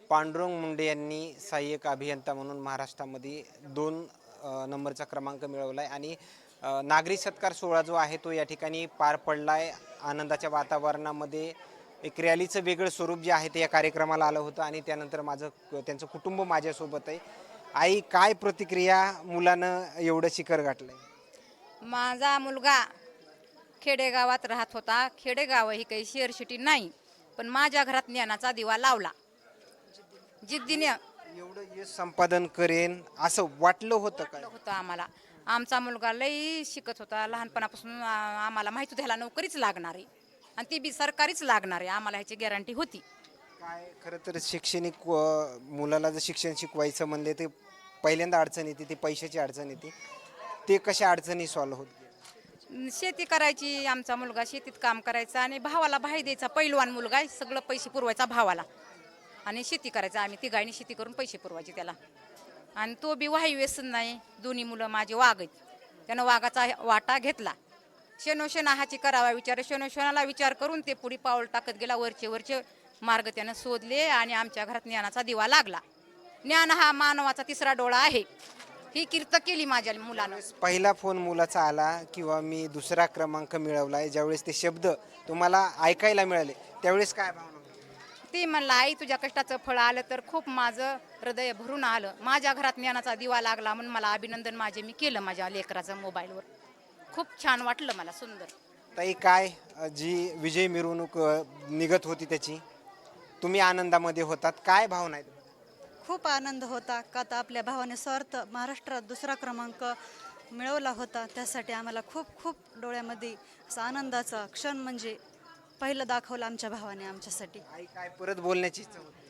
पांडुरंग मुंडे यांनी सहाय्यक अभियंता म्हणून महाराष्ट्रामध्ये 2 नंबरचा क्रमांक मिळवला आहे आणि नागरी सत्कार सोहळा जो आहे तो या ठिकाणी पार पडला आहे. आनंदाच्या वातावरणामध्ये एक रॅलीचं वेगळं स्वरूप जे आहे ते या कार्यक्रमाला आलं होतं आणि त्यानंतर त्यांचं कुटुंब माझ्यासोबत आहे. आई, काय प्रतिक्रिया, मुलानं एवढं शिखर गाठलंय? माझा मुलगा खेडेगावात राहत होता. खेडेगाव ही काही शहर सिटी नाही, पण माझ्या घरात ज्ञानाचा दिवा लावला. जिद्दीने एवढं यश संपादन करेन असं वाटलं होतं काय? होतं आम्हाला. आमचा मुलगा लई शिकत होता लहानपणापासून. आम्हाला माहिती होतं ह्याला नोकरीच लागणार आहे आणि ती बी सरकारीच लागणार आहे, आम्हाला ह्याची गॅरंटी होती. काय खरं तर शैक्षणिक मुलाला जर शिक्षण शिकवायचं म्हणले ते पहिल्यांदा अडचण येते, ती पैशाची अडचण येते. ते कशा अडचणी सॉल्व्ह होत गेल्या? शेती करायची, आमचा मुलगा शेतीत काम करायचा आणि भावाला भाई द्यायचा. पैलवान मुलगा आहे, सगळं पैसे पुरवायचा भावाला आणि शेती करायचा. आम्ही तिघांनी शेती करून पैसे पुरवायचे त्याला. आणि तो बी वाही व्यसन नाही. दोन्ही मुलं माझे वाघ आहेत, त्यानं वाघाचा वाटा घेतला. शेनोशेनाहाची करावा विचार, शेनोशेनाला विचार करून ते पुढे पाऊल टाकत गेला. वरचे मार्ग त्यानं शोधले आणि आमच्या घरात ज्ञानाचा दिवा लागला. ज्ञान हा मानवाचा तिसरा डोळा आहे, ही कीर्त केली माझ्या मुलानं. पहिला फोन मुलाचा आला किंवा मी दुसरा क्रमांक मिळवलाय, ज्यावेळेस ते शब्द तुम्हाला ऐकायला मिळाले त्यावेळेस काय भावना होती? ती म्हणला, आई तुझ्या कष्टाचं फळ आलं तर खूप माझं हृदय भरून आलं. माझ्या घरात ज्ञानाचा दिवा लागला म्हणून मला अभिनंदन माझे मी केलं माझ्या लेकराचं मोबाईलवर. खूप छान वाटलं मला, सुंदर. ताई, काय जी विजय मिरवणूक निघत होती त्याची तुम्ही आनंदामध्ये होतात, काय भावना आहेत? खूप आनंद होता का तर आपल्या भावाने स्वार्थ महाराष्ट्रात दुसरा क्रमांक मिळवला होता. त्यासाठी आम्हाला खूप खूप डोळ्यामध्ये असा आनंदाचा क्षण म्हणजे पहिलं दाखवलं आमच्या भावाने आमच्यासाठी. आई, काय परत बोलण्याची इच्छा होती?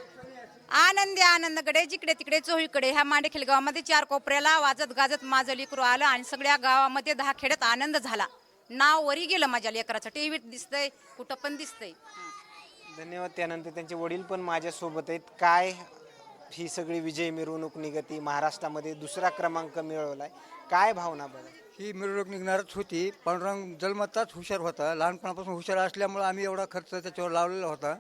आनंदी आनंदकडे जिकडे तिकडे चोहीकडे ह्या मांडेखेल गावामध्ये 4 कोपऱ्याला वाजत गाजत माझं लेकरू आलं आणि सगळ्या गावामध्ये 10 खेड्यात आनंद झाला. नाव वरी गेलं माझ्या लेकराचं. टीव्हीत दिसतंय, कुठं पण दिसतंय. धन्यवाद. त्यानंतर त्यांचे वडील पण माझ्यासोबत आहेत. काय ही सगळी विजय मिरवणूक निघती, महाराष्ट्रामध्ये दुसरा क्रमांक मिळवलाय, काय भावना बरं? ही मिरवणूक निघणारच होती. पांडुरंग जन्मताच हुशार होता. लहानपणापासून हुशार असल्यामुळे आम्ही एवढा खर्च त्याच्यावर लावलेला होता.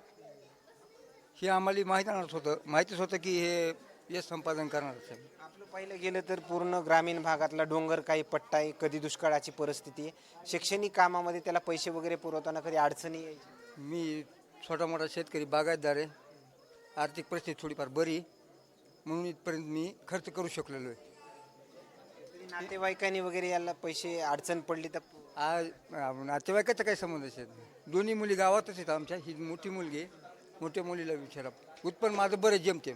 हे आम्हाला माहितीच होतं की हे यश संपादन करणारच आहे. आपलं पाहिलं गेलं तर पूर्ण ग्रामीण भागातला डोंगर काही पट्टा आहे, कधी दुष्काळाची परिस्थिती आहे. शैक्षणिक कामामध्ये त्याला पैसे वगैरे पुरवताना कधी अडचणी यायची? मी छोटा मोठा शेतकरी बागायतदार आहे. आर्थिक परिस्थिती थोडीफार बरी म्हणून इथपर्यंत मी खर्च करू शकलेलो आहे. कधी नातेवाईकांनी वगैरे याला पैसे अडचण पडली तर? आज नातेवाईकाचा काही संबंधच आहे. दोन्ही मुली गावातच आहेत आमच्या. ही मोठी मुलगी आहे. मोठ्या मुलीला विचारा. उत्पन्न माझं बरं जमते.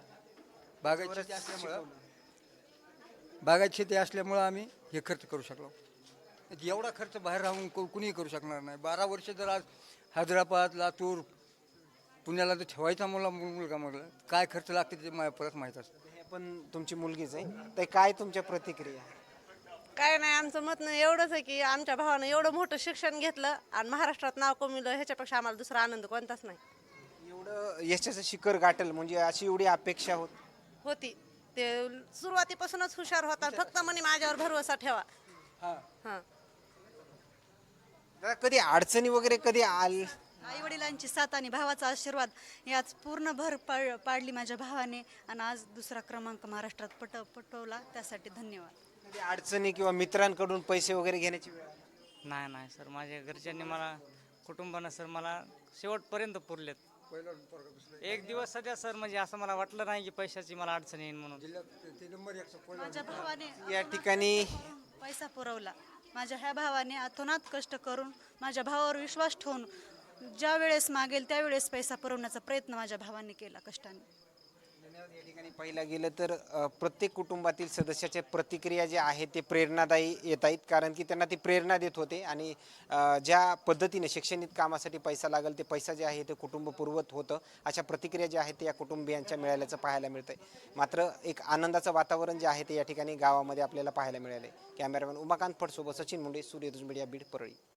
बागायत शेती असल्यामुळं आम्ही हे खर्च करू शकलो. एवढा खर्च बाहेर राहून कुणीही करू शकणार नाही. 12 वर्ष जर आज हैदराबाद, लातूर, पुण्याला जर ठेवायचा मुलगा मग काय खर्च लागते ते मला परत माहीत असतं. हे पण तुमची मुलगीच आहे, तर काय तुमच्या प्रतिक्रिया? काय नाही, आमचं मत नाही एवढंच आहे की आमच्या भावानं एवढं मोठं शिक्षण घेतलं आणि महाराष्ट्रात नाव कमवलं, ह्याच्यापेक्षा आम्हाला दुसरा आनंद कोणताच नाही. एवढं यशाचं शिखर गाठल म्हणजे अशी एवढी अपेक्षा होती. ते सुरुवातीपासूनच हुशार होता. फक्त म्हणे माझ्यावर भरवसा ठेवा. हां. कधी अडचणी वगैरे कधी आल? आई वडिलांची साथ आणि भावाचा आशीर्वाद याच पूर्ण भर पाडली माझ्या भावाने आणि आज दुसरा क्रमांक महाराष्ट्रात पटवला. त्यासाठी धन्यवाद. कधी अडचणी किंवा मित्रांकडून पैसे वगैरे घेण्याची वेळ आली? नाही सर, माझ्या घरच्यांनी मला, कुटुंबानं सर मला शेवटपर्यंत पुरलेत. एक दिवस सध्या सर म्हणजे असं मला वाटलं नाही की पैशाची मला अडचण येईल म्हणून. माझ्या भावाने या ठिकाणी पैसा पुरवला. माझ्या ह्या भावाने अतोनात कष्ट करून माझ्या भावावर विश्वास ठेवून ज्या वेळेस मागेल त्यावेळेस पैसा पुरवण्याचा प्रयत्न माझ्या भावाने केला कष्टाने. या ठिकाणी पाहिलं गेलं तर प्रत्येक कुटुंबातील सदस्याच्या प्रतिक्रिया ज्या आहेत ते प्रेरणादायी येत आहेत, कारण की त्यांना ती प्रेरणा देत होते आणि ज्या पद्धतीने शैक्षणिक कामासाठी पैसा लागेल ते पैसा जे आहे ते कुटुंब पुरवत होतं. अशा प्रतिक्रिया ज्या आहेत ते या कुटुंबियांच्या मिळाल्याचं पाहायला मिळतंय. मात्र एक आनंदाचं वातावरण जे आहे ते या ठिकाणी गावामध्ये आपल्याला पाहायला मिळाले. कॅमेरामॅन उमाकांत फडसोबत सचिन मुंडे, सूर्यदुज मीडिया, बीड, परळी.